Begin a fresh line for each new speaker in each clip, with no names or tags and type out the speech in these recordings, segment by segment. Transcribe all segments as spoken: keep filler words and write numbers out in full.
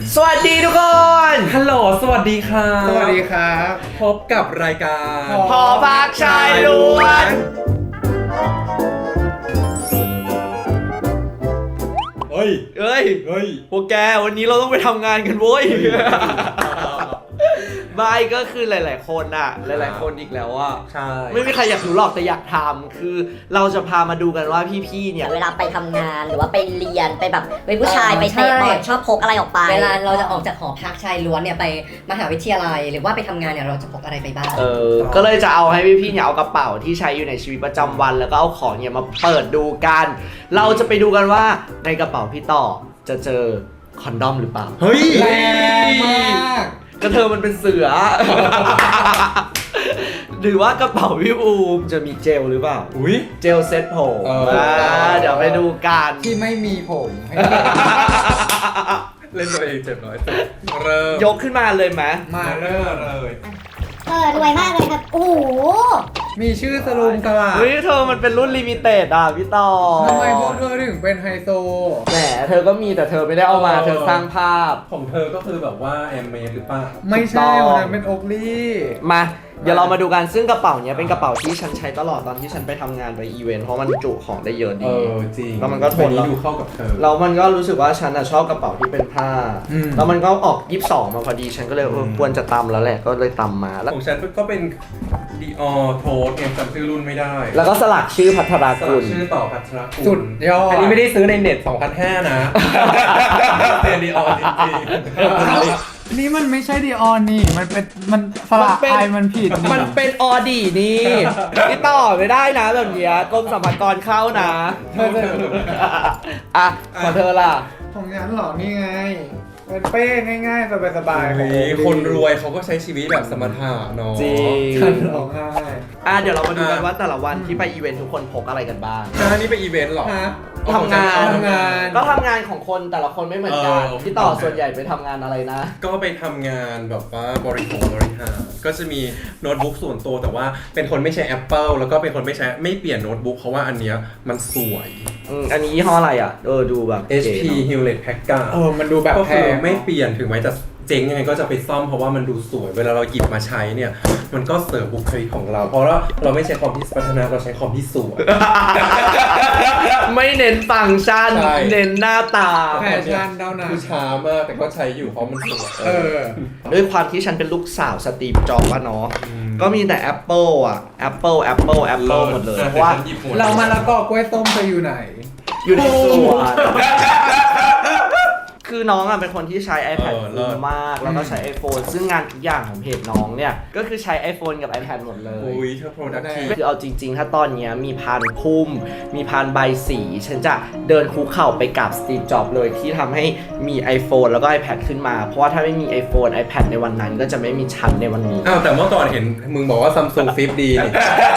สวัสดีทุกคน
ฮัลโหลสวัสดีค่ะ
สวัสดีครับ
พบกับรายการ
พอพักชายล้วนเฮ้ยเฮ้ยเฮ้ยพวกแกวันนี้เราต้องไปทำงานกันโว้ยไม่ก็คือหลายๆคนอะหลายๆคนอีกแล้วอะ
ใช่
ไม่มีใครอยากรู้หรอกแต่อยากทำคือเราจะพามาดูกันว่าพี่ๆเนี่ย
เวลาไปทำงานหรือว่าไปเรียนไปแบบเป็นผู้ชายไปเตะบอลชอบพกอะไรออกไป
เวลาเราจะออกจากหอพักชายล้วนเนี่ยไปมหาวิทยาลัยหรือว่าไปทำงานเนี่ยเราจะพกอะไรไปบ้าง
เออก็เลยจะเอาให้พี่ๆเนี่ยเอากระเป๋าที่ใช้อยู่ในชีวิตประจำวัน แล้วก็เอาของเนี่ยมาเปิดดูกัน เราจะไปดูกันว่าในกระเป๋าพี่ต่อจะเจอคอนดอมหรือเปล่า
เฮ้ย
แรงมาก
ก็เธอมันเป็นเสือ หรือว่ากระเป๋าพี่อูมจะมีเจลหรือเปล่า
อุ้ย
เจลเซ็ตผม
เอออ่
าเดี๋ยวไปดูกัน
ที่ไม่มีผมให้
เล่นตัวเองเจ็บน้อยสุดเริ่ม
ยกขึ้นมาเลยไหม
มาเริ่ม
เลย
เออรวยมากเลยครับ โอ้โห
มีชื่อสลุงตลาด
เฮ้ยเธอมันเป็นรุ่นลิมิเต็ดอ่ะพี่ต่อ
ทำไมพวกเธอถึงเป็นไฮโซ
แหมเธอก็มีแต่เธอไม่ได้เอามาเธอสร้างภาพ
ของเธอก็คือแบบว่าแอมเมดหรือเปล่า
ไม่ใช่
ถูกต้อง
วันนั้นเป็นโอกลี่
มาเดี๋ยวเรามาดูกันซึ่งกระเป๋าเนี้ยเป็นกระเป๋าที่ฉันใช้ตลอดตอนที่ฉันไปทำงานไปอีเวนต์เพราะมันจุของได้เยอะ
เอ
ดี
อจริง
แล้วมันก็ทน
ใบนี้ดูเข้ากับเธอ
แล้วมันก็รู้สึกว่าฉันอะชอบกระเป๋าที่เป็นผ้า แล้วมันก็ออกยี่สิบสองมาพอดีฉันก็เลยเออควรจะตำแล้วแหละก็เลยตำมาแล้ว
ของฉันก็เป็นดีออโทสเอ็มจำชื่อรุ่นไม่ได้
แล้วก็สลักชื่อพัทรา
สลั
กุ
ก
ล
ชื่อต่อพัชรกุล
สุดยอด
อันนี้ไม่ได้ซื้อในเน็ต สองพันห้าร้อย นะเป็นดีออจริง
นี่มันไม่ใช่ดีออนนี่ มันเป็นมันสระไอมันผิด
มันเป็นออดีนี่ที่ต่อไม่ได้นะแบบเนี้ยกรมสรรพากรเข้านะ
เธอจะ
อ่ะของเธอล่ะ
ของฉันเหรอนี่ไง เป็นเป้ง่ายๆสบายๆของ
นี่คนรวยเขาก็ใช้ชีวิตแบบสมถะเนาะ
จริง
ฉันร้องไห้
อ่ะเดี๋ยวเรามาดูกัน
อ่ะ
ว่าแต่ละวันที่ไปอีเวนต์ทุกคนพกอะไรกันบ้าง
อันนี้ไปอีเวนต์เหรอ
ฮะ
ทำงาน
ทำงาน
ก็ทำงานของคนแต่ละคนไม่เหมือนกัน
เออ
พี่ต่อส่วนใหญ่ไปทำงานอะไรนะ
ก็ไปทำงานแบบว่าบริหารบริหารก็จะมีโน้ตบุ๊กส่วนตัวแต่ว่าเป็นคนไม่ใช้ Apple แล้วก็เป็นคนไม่ใช้ไม่เปลี่ยนโน้ตบุ๊กเพราะว่าอันเนี้ยมันสวย
อืมอันนี้ยี่ห้ออะไรอ่ะ เออดูแบบ
เอช พี
ก๋เนอะ
Hewlett Packard
เออ มันดูแบบ
ก็
แพ
คือง ไม่เปลี่ยนถึงแม้จะเจ๊งยังไงก็จะไปซ่อมเพราะว่ามันดูสวย เวลาเราหยิบมาใช้เนี่ยมันก็เสริมบุคลิกของเรา เพราะว่าเราไม่ใช้คอมที่พัฒนาเราใช้คอมที่สวย
ไม่เน้นฟังก์ชัน
ใช่
เน้นหน้าตา
แฟชั่นเท่านั้น
คือช้ามากแต่ก็ใช้อยู่เพราะมันสวย
เออ
ด้วยความที่ฉันเป็นลูกสาวสตีฟจ็อบส์อะเนาะ ก็มีแต่ Apple อ่ะ Apple Apple Apple หมดเลย เพราะว่า
ฉันหยิบหมด
เรามาละกอกล้วยต้มเธออยู่ไหน
อยู่ในสวน คือน้องอ่ะเป็นคนที่ใช้ iPad
เออเลิ
คุ้
ศ
มมาก แล้วก็ใช้ iPhone ซึ่งงานทุกอย่างของเพจน้องเนี่ย ก็คือใช้ iPhone กับ iPad หมดเลย
อุ้ยเธอ productive
คือเอาจริงๆ ถ้าตอนเนี้ยมีพานพุ่ม มีพานใบสี ฉันจะเดินคุกเข่าไปกับสตีฟจ็อบส์เลยที่ทำให้มี iPhone แล้วก็ iPad ขึ้นมา เพราะว่าถ้าไม่มี iPhone iPad ในวันนั้นก็จะไม่มีฉันในวันนี้
อ้าวแต่เมื่อก่อนเห็นมึงบอกว่า Samsung Flip ดีนี่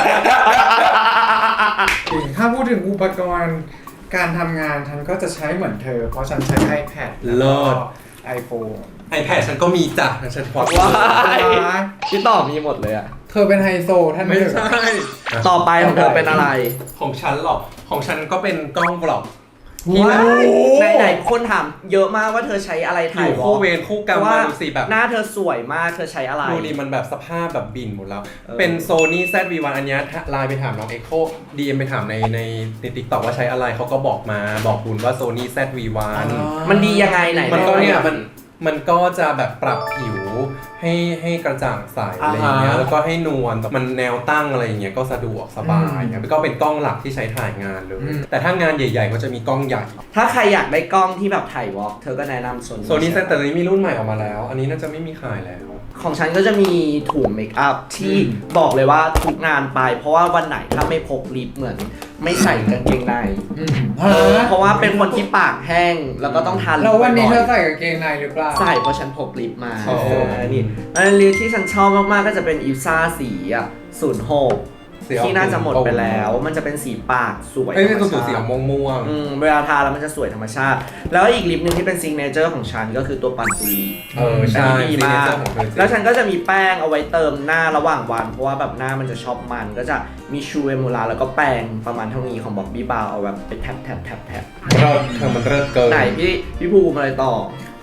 จริงถ้าพูดถึงอุปกรณ์การทำงานฉันก็จะใช้เหมือนเธอ เพราะฉันใช้ iPad
เลิศ
ไอโฟน
iPad ฉันก็มีจ้ะฉันพอด
ว้ายพี่ต่อมีหมดเลยอะ
เธอเป็นไฮโซท่านห
ไม่
นึ่ง
ใช่
ต่อไปของเธอเป็นอะไร
ของฉันหรอของฉันก็เป็นกล้องบล็อก
ว้ายไหนไหนๆคนถามเยอะมากว่าเธอใช้อะไร
อ
ถ่าย
ยู่
วอ
คู่
ล์ก
เวรคู่กรรม
ว่า
มาดูสิแบบ
หน้าเธอสวยมากเธอใช้อะไร
ดูดิมันแบบสภาพแบบบินหมดแล้ว
เออ
เป็น Sony แซด วี วัน อันเนี้ยไลน์ไปถามน้อง Echo ดี เอ็ม ไปถามในในใน TikTok ว่าใช้อะไรเขาก็บอกมาบอกคุณว่า Sony แซด วี วัน
มันดียังไงไหน
มันก็เนี่ย
ไห
มันมันก็จะแบบปรับผิวให้ให้กระจ่างใสอะไรอย่างเงี้ย
อ่าฮะ
แล้วก็ให้นวลมันแนวตั้งอะไรอย่างเงี้ยก็สะดวกสบายครับก็เป็นกล้องหลักที่ใช้ถ่ายงานเลย แต่ถ้างานใหญ่ๆก็จะมีกล้องใหญ่
ถ้าใครอยากได้กล้องที่แบบถ่ายวอล์กเธอก็แนะนำโซนี่
โซนี่แต่ตอนนี้มีรุ่นใหม่ออกมาแล้ว อันนี้น่าจะไม่มีขายแล้ว
ของฉันก็จะมีถุงเมคอัพที่บอกเลยว่าทุกงานไป เพราะว่าวันไหนถ้าไม่พกลิปเหมือนไม่ใส่กางเกงใน
อืม
เพราะว่าเป็นคนที่ปากแห้งแล้วก็ต้องทานลิป
แล้ววันนี้เธ
บ่
อ
อย
ใส่กางเกงในหรือเปล่า
ๆใส่เพราะฉันพกลิปมา
อ๋อ
เออนี่อันลิปที่ฉันชอบมากๆก็จะเป็นอิลซ่าสีอ่ะศูนย์หก
สีออก
ที่น่าจะหมดไปแล้ว มันจะเป็นสีปากสวย
เอ้ยเป็น
ธร
ตัว
รม
สี
ชาติ
ม่วงม่วง
อืมเวลาทาแล้วมันจะสวยธรรมชาติ แล้วอีกลิปหนึ่งที่เป็นซิงเนเจอร์ของฉันก็คือตัวปันปุรี
เออใช่
อันนี้ดีมาก
signature ของเธอจริง
แล้วฉันก็จะมีแป้งเอาไว้เติมหน้าระหว่างวัน เพราะว่าแบบหน้ามันจะชอบมัน ก็จะมีชูเอมูลาแล้วก็แป้งประมาณเท่านี้ของบ๊อบบี้บาวเอาแบบไปแท็บแท็บแท็บแท็บ
เริ่มเธอมันเริ่มเกิน
ไหนพี่พี่ภูมิอะไรต่อ
ข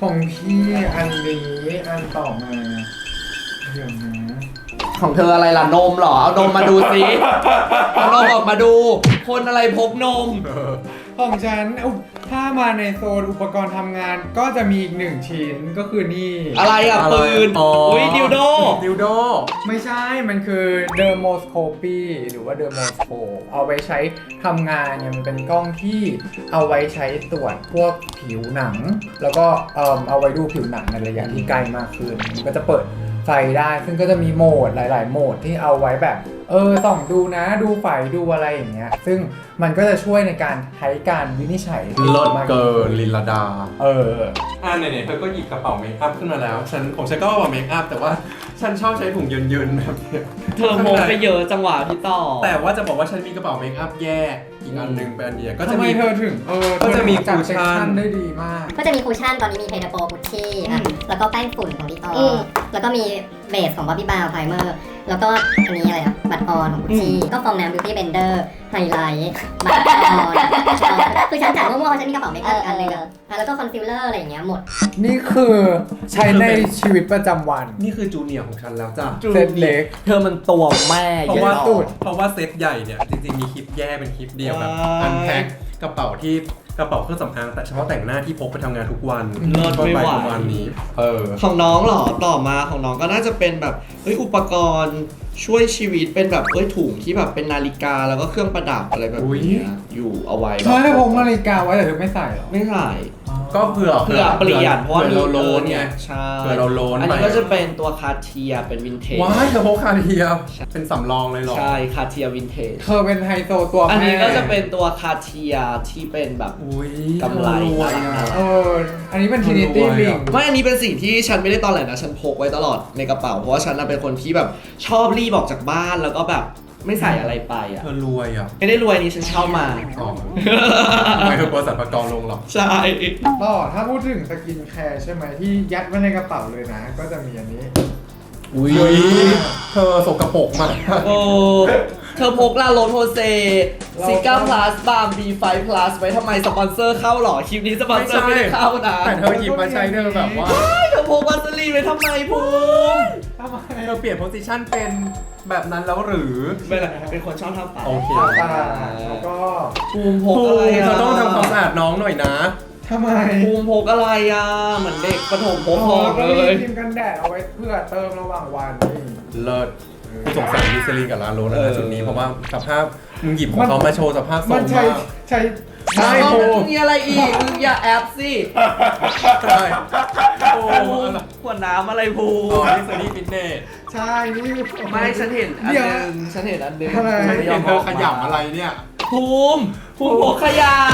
ของพี่อันนี้อันต่อมาเดี๋ยวนะ
ของเธออะไรล่ะนมเหรอเอานมมาดูสิเอานมออกมาดู คนอะไรพกนม
ของฉันอุ๊ยถ้ามาในโซนอุปกรณ์ทำงานก็จะมีอีกหนึ่งชิ้นก็คือนี่
อะไรอ่ะปืน
อ๋ออุ๊
อุ้ยดิวโด
ดิวโด
ไม่ใช่มันคือเดอร์โมสโคปีหรือว่าเดอร์โมสโคปเอาไว้ใช้ทำงานเนี่ยมันเป็นกล้องที่เอาไว้ใช้ตรวจพวกผิวหนัง แล้วก็เอ่อเอาไว้ดูผิวหนังในระยะที่ใกล้มากขึ้นมันก็จะเปิดไฟได้ซึ่งก็จะมีโหมดหลาย ๆ โหมดที่เอาไว้แบบเออส่องดูนะดูไฟดูอะไรอย่างเงี้ยซึ่งมันก็จะช่วยในการใช้การวินิจฉัย
เลิศ
มาก
เกินลินลาดา
เออ
อ่าไหนๆเธอก็หยิบกระเป๋าเมคอัพขึ้นมาแล้วฉันของฉันก็กระเป๋าเมคอัพแต่ว่าฉันชอบใช้ถุงเยินๆแบบเนี้ย
เธอโมไปเยอะจังหวะพี่ต่อ
แต่ว่าจะบอกว่าฉันมีกระเป๋าเมคอัพแยกอีกอันหนึงเป็นอันเดียวก็จะ
ทำไม
มี
เธอถึงเออ
ก็จะมี
จัด
คูชั่น
เซ็กชันได้ดีมาก
ก็จะมีคูชั่นตอนนี้มีเพดาโปกุชชี่อ่ะแล้วก็แป้งฝุ่นของดิออ
อืม
แล้วก็มีเบสของบ๊อบบี้บาวไพรเมอร์แล้วก็อันนี้อะไรนะบัตรออนของกุชชี่ก็ฟองน้ำบิวตี้เบนเดอร์ไฮไลท์บัตรออนคือฉันจัดมั่วๆเพราะฉันมีกระเป๋าเมคอัพอีกอันหนึงอ่ะอ่ะแล้วก็คอนซีลเลอร์อะไรอย่างเงี้ยหมด
นี่คือใช้ในชีวิตประจำวัน
นี่คือจูเนียร์ของฉันแล้วจ้ะ
เซตเล็ก
เธอมันตัวแม่
เพราะว่า
อย่
สุด
เพราะว่าเซตใหญ่เนี่ยจริงๆมีคลิปแยกเป็นคลิปเดียวแบบ
ว้าย
อันแพ็คกระเป๋าที่กระเป๋าเครื่องสำอางแต่เฉพาะแต่งหน้าที่พกไปทำงานทุกวัน
เลิศไม่ไหว
ก็ปประมาณนี้เออ
ของน้องเหรอต่อมาของน้องก็น่าจะเป็นแบบเฮ้ยอุปกรณ์ช่วยชีวิตเป็นแบบเอ้ยถุงที่แบบเป็นนาฬิกาแล้วก็เครื่องประดับอะไรแบบ
อุ๊ย
เนี้ยอยู่เอาไว้
เธอได้พกนาฬิกาไว้แต่เธอไม่ใส่หรอ
ไม่ใส่
ก็เผื่อ
เพื่อเปลี่ยนเพราะว่า
ผื่อเราโลน
มี
ไง
ใช่
เผื่อเราโลน
อันนี้
ไป
ก็จะเป็นตัวคาเทียเป็นวินเทจ
ว้ายเธอพกคาเทียเป็นสำรองเลยเหรอ
ใช่คาเทียวินเทจ
เธอเป็นไฮโซตัวแม่
อันนี้ก็จะเป็นตัวคาเทียที่เป็นแบบ
อุ้ย
กำไร
เธอรวยอะ
เอออันนี้เป็นทรินิตี้
รวยอะ
ลิง
ไม่อันนี้เป็นสิ่งที่ฉันไม่ได้ตอนแหลนะฉันพกไว้ตลอดในกระเป๋าเพราะว่าฉันน่ะเป็นคนที่แบบชอบรีบออกจากบ้านแล้วก็แบบไม่ใส่อะไรไปอ่ะ
เธอรวยอ่ะ
ไม่ได้รวยนี่ฉันเช่ามา
อ๋อไม่เธอกลัวสัตว์ประกรลงหรอก
ใช่
ต่อถ้าพูดถึงสกินแคร์ใช่ไหมที่ยัดไว้ในกระเป๋าเลยนะ ก็จะมีอันนี้
อุ้ยเธอสกปรกมาก
โอ้เธอพกลาโรสโฮเซซิก้าพลัสบาร์ม บี ไฟว์ plus ไว้ทำไมสปอนเซอร์เข้าหรอคลิปนี้สปอนเซอร์ไม่ได้เข้านะ
แต่เธอหยิบมาใช้เธอแบบว่า
เธอพกวาสลีนไว้ทำไมภูมิ
ทำไม
เธอเปลี่ยนโพสิชันเป็นแบบนั้นแล้วหรือ
ไม่เป็นไรเป็นคนชอบทำปาก
โอเค
ตาแล้วก็
ภูมิพกอะไร
เธ
อ่ะ
อต้องทำความสะอาดน้องหน่อยนะ
ทำไม
ภูมิพกอะไรอ่ะเหมือนเด็กประถมพกของ
ก็
เล
มี
ย
ครีมกันแดดเอาไว้เพื่อเติมระหว่างวันนี่
เลิศกูสงสารมิสลินกับลาโรสนะจุดนี้เพราะว่าสภาพมึงหยิบของเขามาโชว์สภาพโซ
มัน
ม
ใช้
มาก
ใช้
ใช่
เอา
ภูมิ
มีอะไรอีกมึงอย่าแอบสิ
ใช่โอ้
ภูมิขวดน้ำอะไรภู
อ๋อ
มิ
มิสลินฟิตเนส
ใช่นี่
ไม่ฉันเห็นอัน
เดี๋ยว
หนึงฉันเห็นอันหนึง
อะไร
ฉันเห็นเธอขยำอะไรเนี่ย
ภูมิภูมิพกขยะ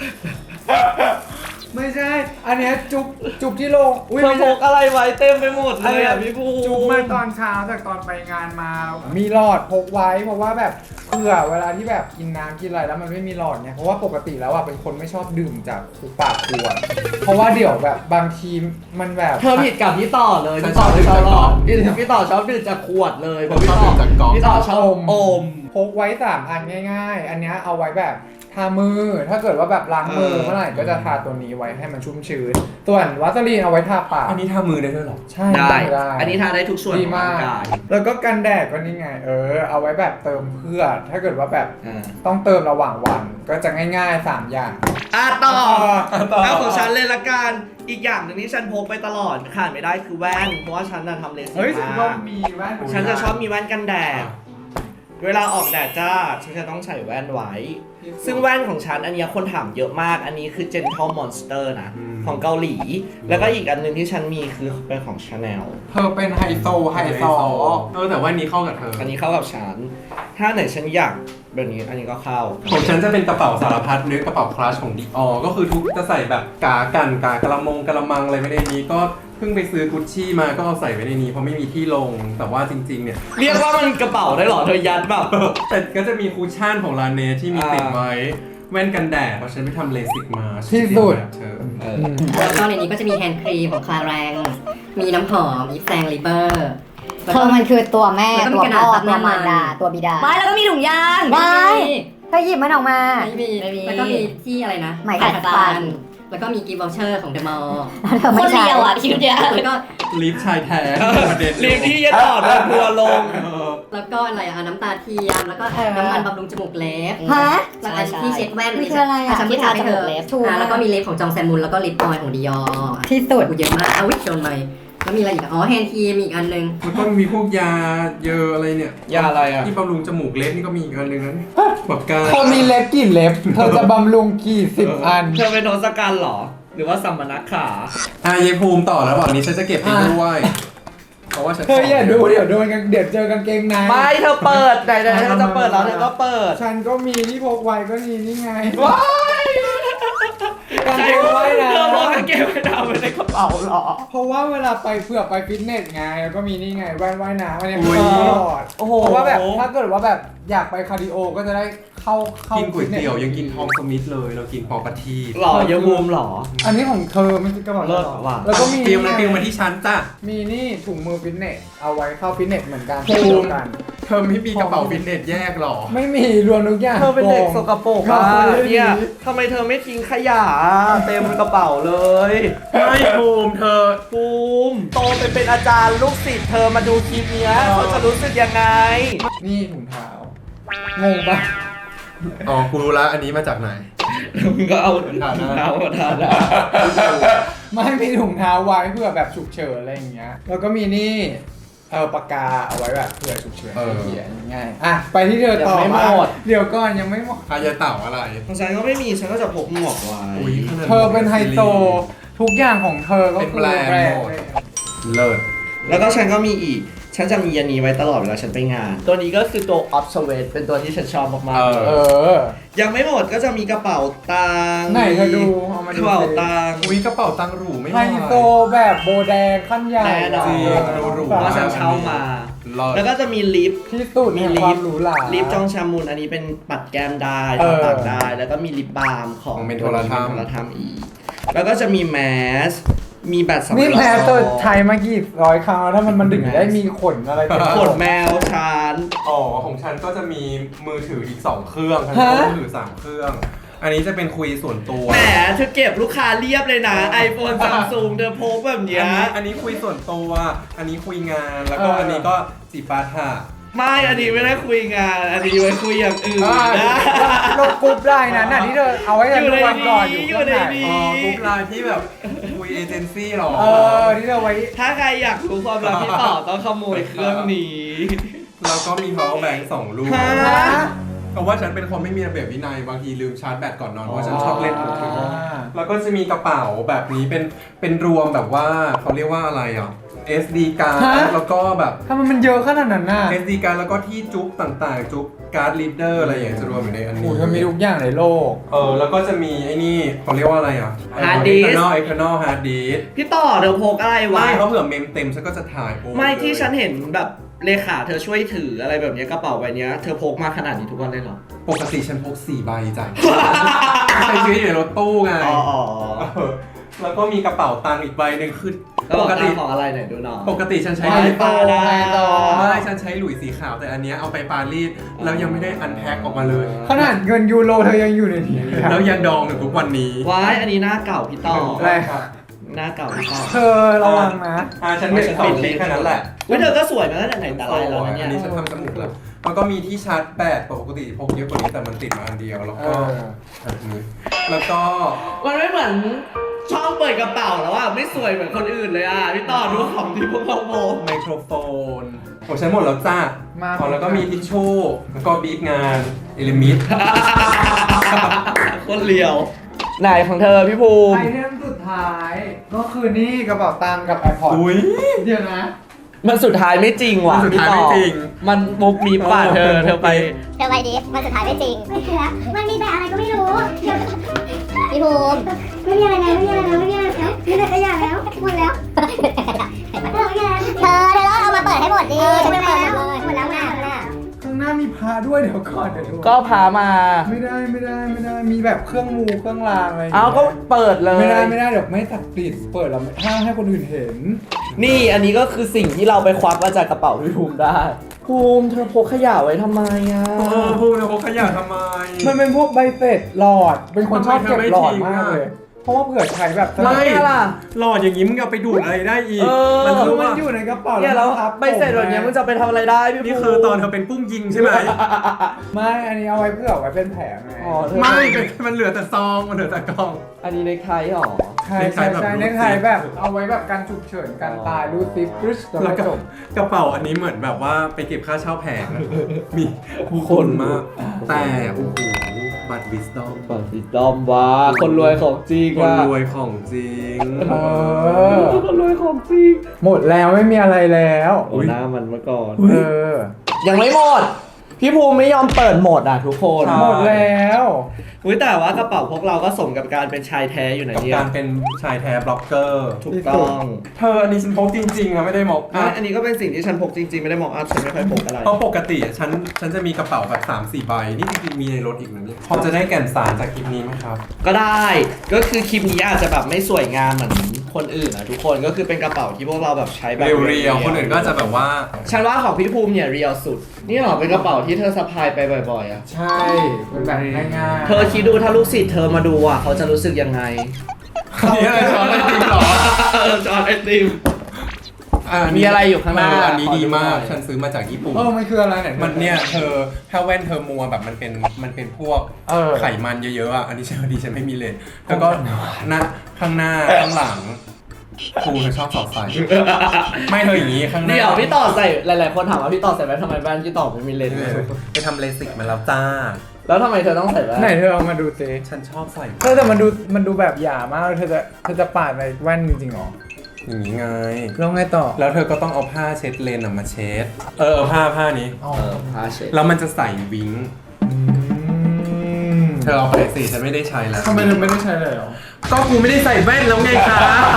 ไม่ใช่ อันเนี้ยจุ๊บจุ๊บที่โลงอุ้ย
เธอ
ไม่
พ
ใช่
กอะไรไว้เต็มไปหมดเลยอ่ะพี่ภูมิ
จุ๊บมาตอนเช้าจากตอนไปงานมา มีหลอดพกไว้เพราะว่าแบบเผื่อเวลาที่แบบกินน้ำกินอะไรแล้วมันไม่มีหลอดเนี่ยเพราะว่าปกติแล้วอ่ะเป็นคนไม่ชอบดื่มจากปากขวดเพราะว่าเดี๋ยวแบบบางทีมันแบบ
เธอผิดกับพี่ต่อเลย
ฉัน
พี่ต่อ
ชอบดื่
ไม่
ม
ชอบ
จาก
หล
กล่
อ
อง
ดพี่พี่ต่อชอบดื่มจากขวดเลย
ผม
พี่
ชอบ
ต่อ
ดื่มจากกล่อง
พี่ต่อชอบอม
พกไว้สามอันง่ายๆ อันเนี้ยเอาไว้แบบทามือถ้าเกิดว่าแบบล้างมือ
เออ
เมื่อไหร่ก็จะทาตัวนี้ไว้ให้มันชุ่มชื้นส่วนวัสลีนเอาไว้ทาปาก
อันนี้ทามือได้ด้วยเหรอ
ใช่
ได้
ได้
อันนี้ทาได้ทุกส่วน
ดี
ของ
มา
ร่าง
ก
กาย
แล้วก็กันแดดก็นี่ไง เออ เอาไว้แบบเติมเพื่อ ถ้าเกิดว่าแบบ
อ่า
ต้องเติมระหว่างวันก็จะง่ายๆ สามอย่าง
อ่ะต่อ
ต่อ
เอาของฉันเลยละกัน อีกอย่างหนึ่งที่ฉันพกไปตลอดขาดไม่ได้คือแว่น เพราะว่าฉันน่ะทำเลสิก
เฮ้ยฉันก็
มา
มีแว่น
ฉันจะชอบมีแว่นกันแดด เวลาออกแดดจ้า ฉันจะต้องใส่แว่นไว้ ซึ่งแว่นของฉันอันเนี้ยคนถามเยอะมาก อันนี้คือ Gentle Monster นะ
อืม
ของเกาหลี แล้วก็อีกอันหนึงที่ฉันมีคือเป็นของ Chanel
เธอเป็นไฮโซไฮโซ
เออแต่ว่าอันนี้เข้ากับเธอ
อันนี้เข้ากับฉัน ถ้าไหนฉันอยากแบบนี้อันนี้ก็เข้า
ของฉันจะเป็นกระเป๋าสารพัดนึกกระเป๋าคลาสของดิออก็คือทุกจะใส่แบบกากันกากระมงกระมังอะไรไม่ได้นี้ก็เพิ่งไปซื้อกุชชี่มาก็เอาใส่ไว้ในนี้เพราะไม่มีที่ลง แต่ว่าจริงๆเนี่ย
เรียกว่ามันกระเป๋าได้เหรอ เธอยัดแบบ
แต่ก็จะมีคูชั่นของลาเนที่มี
อ่า
ติดไว้แว่นกันแดดเพราะฉันไปทำเลสิกมา
ที่สุด
แบบเธอ
เออ
แล้วก็ในนี้ก็จะมีแฮนด์ครีมของคลาแรง มีน้ำหอมอีฟแซงลิเบอร์
เธอมันคือตัวแม่
แล้วก็มี
ตัว
กระดา
พ่
ษ
อ
ซับ
ตัว
น้ำมัน
มารดาตัวบิดา
ไม่แล้วก็มีถุงยาง
ไม่ เธอหยิบมันออกมา
ไม่มี
ไม่มี
แล้วก็มีที่อะไรนะ
ไหมขัดฟัน
แล้วก็มีกิฟต์วอลเชอร์ของเดอะมอลล์
คนเดียวอ่ะชีวิตเนี้ย
แล้วก็
ลิฟต์ชายแท้ประเด็น
เรียกที่จะต่อโดนทัวร์ลง
เออ
แล้วก็อะไรอะน้ำตาเทียมแล้วก็น้ำมันบำรุงจมูกเล็บ
ฮะ
แล้วอันที่เช็ดแว่น
นี่คืออะไรอะ
ฉันไม่ทาให้เธอ
ที่ทาจมูกเล็บ
อ่าแล้วก็มีเล็บของจองแซมมุนแล้วก็ลิปออยล์ของดิออ
ที่สุด
กูเยอะมากเอาวิโดนไปแล้วมีอะไรอีกอะอ๋อแฮนด์ครีมอีกอันนึง
แล้วก็มีพวกยาเยอะอะไรเนี่ย
ยาอะไรอ่ะ
ที่บำรุงจมูกเล็บนี่ก็มีอีกอันหนึงนะปากกา
เธอมีเล็บกี่เล็บ เธอจะบำรุงกี่สิบอัน
เธอเป็นโทศกัณฐ์เหรอ หรือว่าสัมมนักขา
อ่ะยายภูมิต่อแล้วบอกนี้ฉันจะเก็บไปด้วยเพราะว่าฉัน
เธออย่าดูเดี๋ยวโดนกันเดี๋ยวเจอกางเกงใน
ไม่เธอเปิดไหนๆเธอจะเปิดแล้วเธอก็เปิด
ฉันก็มีที่พกไว้ก็นี่นี่ไง
ว้าย
กางเกงว่ายน้
เธอบอกกางเกงว่ายน้ำไว้ในกระเป๋าเหรอ
ำเพราะว่าเวลาไปเผื่อไปฟิตเนสไงแล้วก็มีนี่ไงแว่นว่ายน้ำอันนี้
อุ๊
มี
ย
ตลอด
โอ้โห
เพราะว่าแบบถ้าเกิดว่าแบบอยากไปคาร์ดิโอก็จะได้เข้าเข้า
กินก๋วย
ฟิตนส
เตี๋ยวยังกินทองสมิธเลยเรากินพอปะที
หล่อยังมุมหรอ
อันนี้ของเธอไม่ใช่กระเป๋า
เลิศ
หรอ
ว่ะ
แล้วก็มี
เตรียมมาเตรียมมาที่ชั้นจ้ะ
มีนี่ถุงมือฟิตเนสเอาไว้เข้าฟิตเนสเหมือนกัน
ภูมิ
เดียวกัน
เธอไม่มีกระเป๋าฟิตเนสแยกหรอ
ไม่มีรวมทุกอย่าง
เธอเป็นเด็กสกปรกอ่ะ
ก็ไม่ได้
เนี่ยทำไมเธอไม่ทิ้งขยะเต็มกระเป๋าเลย
ไม่ภูมิเธอ
ภูมิโตไปเป็นอาจารย์ลูกศิษย์เธอมาดูคลิปเนี้ยเขาจะรู้สึกยังไง
นี่ถุงเท้างงปะ
อ๋อกูรู้ละอันนี้มาจากไหน
มึงก็เอา
ฐานะ
เท้ามาทานะ
ไม่มีถุงเท้าไว้เพื่อแบบฉุกเฉินอะไรอย่างเงี้ยแล้วก็มีนี่เออปากกาเอาไว้แบบเผื่อฉุกเฉิน
เออ
เขียนง่ายอ่ะไปที่เธอต่อมาเดี๋ยวก่อนยังไม่หมด
พายายเต่าอะไร
ของฉันก็ไม่มีฉันก็จะพกหมวกไว้
อุ๊ยขนาด
เธอเป็นไฮโซทุกอย่างของเธอก็
เป็น
คือ
แบรนด์
แบรน
หม
ด์
ด เลิศ
แล้วก็ฉันก็มีอีก ฉันจะมีอันนี้ไว้ตลอดเวลาฉันไปงาน ตัวนี้ก็คือตัว Obsolete เป็นตัวที่ฉันชอบมากๆ
เอ
เล
เอย อ
ยังไม่หมดก็จะมีกระเป๋าตังค์
ไหนเธอดูเอามาดู
กระเป๋าตังค์
อุ้ยกระเป๋าตังค์หรูไม่ไห
ไฮ
ว
โซแบบโบแดงขั้นใหญ่
แน่นอน
จริงดูหรู
เพราะฉันเช่ามา
เลิศ
แล้วก็จะมีลิป
ที่สุด
มี
ใน
ลิ
ควา
ป
มหรูหรา
ลิปจองชามูนอันนี้เป็นปัดแก้มได้
เออ
ทาปากได้ แล้วก็มีลิปบาล์มของ
ของเมนโทรทัม
เมนโทรทัมอีก แล้วก็จะมีแมส มีแบตสำรอง
นี่แพ้ตัวใช้มากี่ร้อยครั้งแล้วถ้ามันมันถึงได้มีขนอะไรเต็ม
ขนแมวชาน
อ๋อของฉันก็จะมีมือถืออีกสองเครื่องทั้ง
ฮะ
มือถือสามเครื่อง อันนี้จะเป็นคุยส่วนตัว
แหมเธอเก็บลูกค้าเรียบเลยนะ iPhone Samsung เธอพกแบบเนี้
อั
ย
นนี้อันนี้คุยส่วนตัว อันนี้คุยงาน แล้วก็อันนี้ก็จีปาถะ
ไม่ อันนี้ไม่ได้คุยงาน อันนี้ไว้คุยอย่างอื่น
อ่า
นะ
ลงกรุ๊ปได้นะน่ะที่เธอเอาไว้กันทุกวันก่อนอยู่
อยู่
ข้าง
ใน
ใน
นี้
อ๋อกรุ๊ปไลน์ที่แบบคุยเอเจนซี่หรอ
เออที่เธอไว้
ถ้าใครอยากรู้ความลับพี่ต่อต้องขโมยเครื่องนี้
แล้วก็มี power bank สองลูก
ฮะ
เพราะว่าฉันเป็นคนไม่มีระเบียบวินัย บางทีลืมชาร์จแบตก่อนนอน เพราะว่าฉันชอบเล่นมือถือ แล้วก็จะมีกระเป๋าแบบนี้เป็นเป็นรวมแบบว่าเขาเรียกว่าอะไรอ่ะ เอส ดี card
ฮะ
แล้วก็แบบ
ทำไมมันเยอะขนาดนั้นน่ะ
เอส ดี card แล้วก็ที่จุ๊บต่างๆ จุ๊บการ์ดลีดเดอร์อะไรอย่างเงี้ยจะรวมอยู่ในอัน
โอ้
นี้
ยมันมีทุกอย่างในโลก
เออแล้วก็จะมีไอ้นี่เขาเรียกว่าอะไรอ่ะ
Hard disk
external external hard disk
พี่ต่อเธอพกอะไรวะ
ไม่เขาเผื่อเมมเต็มฉันก็จะถ่ายโอ้
ไม่ที่ฉันเห็นแบบเลขาเธอช่วยถืออะไรแบบเนี้ยกระเป๋าใบเนี้ยเธอพกมาขนาดนี้ทุกวันเลยเหรอ
ปกติฉันพกสี่ใบจ้ะ ใช้ชีวิตอยู่ในรถตู้ไง
อ๋ออ๋อ
เออแล้วก็มีกระเป๋าตังค์อีกใบหนึ่งคือ
แล้ว
ป
บอก
ก
ติ
ติ
ของอะไรหน่อยดูหน่อย
ปกติฉันใช้
ไฮ
หลุย
โซไฮโซ
ไม่ฉันใช้หลุยสีขาวแต่อันเนี้ยเอาไปปารีสแล้วยังไม่ได้อันแพ็คออกมาเลย
ขนาดเงินยูโรเธอยังอยู่ในนี้เลยอะ
แล้วยังดองถึงทุกวันนี้
ว้ายอันนี้หน้าเก่าพี่ต่อ
อะไร
หน้าเก่าพี่ต่อ
เธอระวังนะ
อ่าฉันไม่ฉันปิดแค่นั้นแหละ
เว้ยเธอก็สวยมาตั้งแต่ไหนแต่ไรแล้วนะเนี่ย
อันนี้ฉันทำจมูกแล้วแล้วก็มีที่ชาร์จแบตปกติพกเยอะกว่านี้แต่มันติดมาอันเดียวแล้ว
เอ
ก็
อ
แบบนี้แล้วก็
มันไม่เหมือนช่องเปิดกระเป๋าแล้วอ่ะไม่สวยเหมือนคนอื่นเลยอ่ะพี่ต่อดูของที่พวกเราโม
ไมโครโฟนโอ้ใช้หมดแล้วจ้า
มา
อ๋อแล้วก็มีทิชชู่แล้วก็บีบงานเอลิมิด
คนเลียวไหนของเธอพี่ภูมิ
ไอเทมสุดท้าย ก็คือนี่กระเป๋าตังค์กับ iPod
อุ้ย
เดี๋ยวนะ
มันสุดท้ายไม่จริงว่ะ
มันสุดท้ายไม่จริง
มันมุกมีป่ะเธอเธอไป
เธอไปดิมันสุดท้ายไม่จริง
ไม่คือแล้วมันมีแต่อะไรก็ไม่รู้เดี๋ยว
พี่ภูมิ
ไม่มีอะไรแล้วไม่มีอะไรแล้วไม่มีอะไรแล้วมีแต่ขยะแล้วหมดแล้วเออไม่มีอะไร
เธอเธอต้องเอามาเปิดให้หมดดิ
เออ
ฉัน
หม
ไม่
ด
เปิด
แล้ว
หมดเลย
หมดแล้วหมดแล้ว
ข้างหน้ามีพาด้วยเดี๋ยวก่อนเดี๋ยวดู
ก็พามา
ไม่ได้ไม่ได้ไม่ได้มีแบบเครื่องมูเครื่องรางอะไรย่ง
เอา
งี้ย
ก็เปิดเลย
ไม่ได้ไม่ได้เดี๋ยวไม่ตัดติดเปิดแล้วห้ามให้คนอื่นเห็น
นี่อันนี้ก็คือสิ่งที่เราไปควักมาจากกระเป๋าพี่ภูมิได้ ภูมิเธอพกขยะไว้ทำไมอ่ะ
เออพูดเลยพกขยะทำไม
มันเป็นพวกใบเสร็จหลอด เป็นคนชอบเก็บหลอดมากเลยเพราะว่าเผื่อใช้แบบ
ไม่
เนี่ยล่ะ
หลอดอย่างนี้มึงเอาไปดูดอะไรได้อีก
เออ
มัน
คื
คือ อ
มัน
ว่า
อยู่ในกระเป๋า
เนี่ยแล้ว
ครับ
ใบเสร็จแบบเนี้ยมึงจะไปทำอะไรได้พี่ภู
นี่คือตอนเธอเป็นปุ้งยิงใช่ไหม
ไม่อันนี้เอาไว้เพื่อไว้เป็นแผลไง
อ๋อเธอ
ไม่เป็นมันเหลือแต่ซองมันเหลือแต่กล่อง
อันนี้เน็กไทหรอ
ใช่ใช่ใช่
เน็
เน็
ก
ก
ไท
ไท
แบบ
แบบเอาไว้แบบการฉุกเฉินการตายรูดซิปปึ๊ชแล้ว
แล้ว
ก็
ก็
จบ
กระเป๋าอันนี้เหมือนแบบว่าไปเก็บค่าเช่าแผงอะมีผู้คนมาก แต่โอ้โหบัตรวิสตอม
ฝั่งสีดอมว่าคนรวยของจริง
คน
อะ
รวยของจริง
เออ
คนรวยของจริง
หมดแล้วไม่มีอะไรแล้ว
โอ้หน้ามันเมื่อก่อน
เออ
ยังไม่หมด พี่ภูมิไม่ยอมเปิดหมดอ่ะทุกคน
ใช่
หมดแล้ว
อุ้ยแต่ว่ากระเป๋าพวกเราก็สมกับการเป็นชายแท้อยู่นะ
กับ
เนี่ย
การเป็นชายแท้บล็อกเกอร์
ถูกต้อง
เธออันนี้ฉันพกจริงๆนะไม่ได้มอก
อ่ะอันนี้ก็เป็นสิ่งที่ฉันพกจริงๆ ไม่ได้มองอัพฉันไม่ค่อยพกอะไร
เพราะปกติอะฉันฉันจะมีกระเป๋าแบบสามสี่ใบ นี่จริงๆมีในรถอีกนะเนี่ยพอจะได้แก่นสารจากคลิปนี้ไหมครับ
ก็ได้ ก็คือคลิปนี้อาจจะแบบไม่สวยงามเหมือนคนอื่นอ่ะทุกคน ก็คือเป็นกระเป๋าที่พวกเราแบบใช้แบบ
เรียวๆคนอื่นก็จะแบบว่า
ฉันว่าของพี่ภูมิเนี่ยเรียวสุด นี่หรอเป็นกระเป๋าที่เธอสะพายไปบ่อยๆอ่ะ
ใช่เป็นแบบง่ายๆ
เธอคิดดูถ้าลูกศิษย์เธอมาดูอ่ะเขาจะรู้สึกยังไง
นี่อะไรช้อนไอติมเหรอ
เออจอนไอติม
อ่า
มีอะไรอยู่ข้างหน้า
เอันนี้ดีมาก
ขอดูหน่อย
ฉันซื้อมาจากญี่ปุ่น
เออมันคืออะไรเนี่ย
มันเนี่ยเธอถ้าแว่นเธอมัวแบบมันเป็นมันเป็นพวก
เออ
ไขมันเยอะๆอ่ะ อันนี้ฉันดีฉันไม่มีเลย แล้วก็หน้าข้างหน้าข้างหลังครูเธอชอบสอดใส่ ไม่เธออย่างนี้ข้างหน้า
เดี๋ยวพี่ต่อใส่หลายๆคนถามว่าพี่ต่อใส่แว่นทำไมแว่นพี่ต่อไม่มีเลนส์เลย
ไปทำเลสิกมาแล้วจ้า
แล้วทำไมเธอต้องใส่แว่น
ไหนเธอเอามาดูสิ
ฉันชอบใส่
เธอแต่มันดูมันดูแบบหยามากเธอจะเธอจะปาดในแว่นจริงๆหรอ
อย่างนี้ไง
แล้วไงต่อ
แล้วเธอก็ต้องเอาผ้าเช็ดเลนส์อะมาเช็ด เออเอาผ้าผ้านี้
อ๋อ
เออผ้าเช็ด
แล้วมันจะใส่วิง
อืม
เธอเอาไปสิฉันไม่ได้ใช้แล้ว
ทำไมเธอไม่ได้ใช้เลยเหรอ
ก็กูไม่ได้ใส่แว่นแล้วไงคะ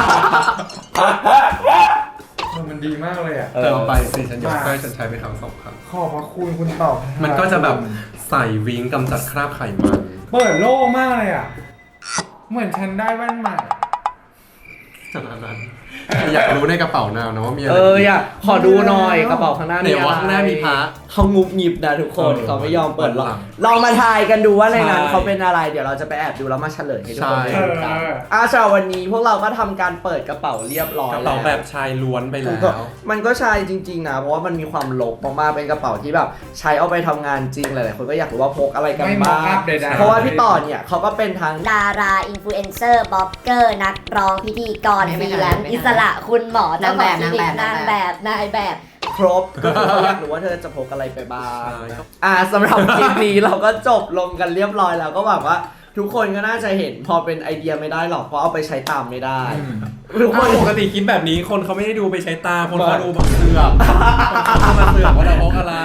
เออมันดีมากเลยอ่ะ
เธอเอาไปสิฉันยกให้ฉันใช้ไปทั้งสองครั้ง
ขอบพระคุณคุณตอบ
มันก็จะแบบใส่วิงกำจัดคราบไขมัน
เปิดโล่งมากเลยอ่ะ เหมือนฉันได้แว่นใหม่
ขนาดนั้นอยากรู้ในกระเป๋านาวนะว่ามีอะไร
เอออยากขอดูหน่อยกระเป๋าข้างหน้า
ไหนว่าข้างหน้ามีพระ
เขางุบงิบนะทุกคน
เออ
เขาไม่ยอมเปิดหรอก
หลัง
ลองมาทายกันดูว่าในนั้น
ใช่
เขาเป็นอะไร เดี๋ยวเราจะไปแอบดูแล้วมาเฉลยให้ทุกคน
ใช่
ได้ดูกัน
เออ
อ่ะสำหรับวันนี้พวกเราก็ทำการเปิดกระเป๋าเรียบร้อย
กระ
แล้ว
เป๋าแบบชายล้วนไปแล้
ก็
ว
มันก็ใช่จริงๆนะ เพราะว่ามันมีความลกมากๆเป็นกระเป๋าที่แบบใช้เอาไปทำงานจริงหลายๆคนก็อยากรู้ว่าพกอะไรกัน
ไม่
บ้าง
mock up ใดๆ
เพราะว่าพี่ต่อเนี่ยเขาก็เป็นทั้ง
ดาราอินฟลูเอนเซอร์บล็อกเกอร์นักร้องพิธีกร
ไม่
ฟ
ไม่
รีแลนซ์
ไม่
อิสระคุณหมอเจ้าของคลินิก
นาน
าง ง
แบ
แบบ บนายแบบ
ครบ ก็คือเขาอยากรู้ว่าเธอจะพกอะไรไปบ้าง
ใช่ครับ
อ่าสำหรับคลิปนี้เราก็จบลงกันเรียบร้อยแล้วก็หวังว่าทุกคนก็น่าจะเห็นพอเป็นไอเดียไม่ได้หรอกเพราะเอาไปใช้ตามไม่ได้ ทุกค
ถ้าน ปกติคลิปแบบนี้คนเขาไม่ได้ดูไปใช้ตา คนเขาดูแบบเสือกคนเขามาเสือกว่าเราพกอะไร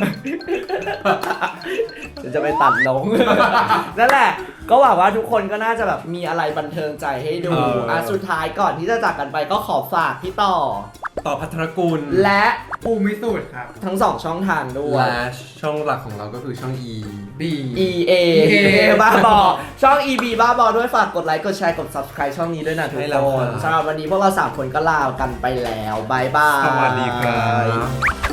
ฉันจะไปตัดลง นั่นแหละ ก็หวังว่าทุกคนก็น่าจะแบบมีอะไรบันเทิงใจให้ดู
เอออ่
อ่ะสุดท้ายก่อนที่จะจากกันไปก็ขอฝากพี่ต่อ
ต่อพัทรกุล
และ
ภูมิสูตรครับ
ทั้งสองช่องทางด้วย
และช่องหลักของเราก็คือช่อง E
B
E A
E A
บ้าบอช่อง E B บ้าบอด้วยฝากกดไลค์กดแชร์กด subscribe ช่องนี้ด้วยนะทุก
ให้เรา
คน
ครับ
สำหรับวันนี้พวกเราสามคนก็ลากันไปแล้วบายบาย
สวัสดีครับ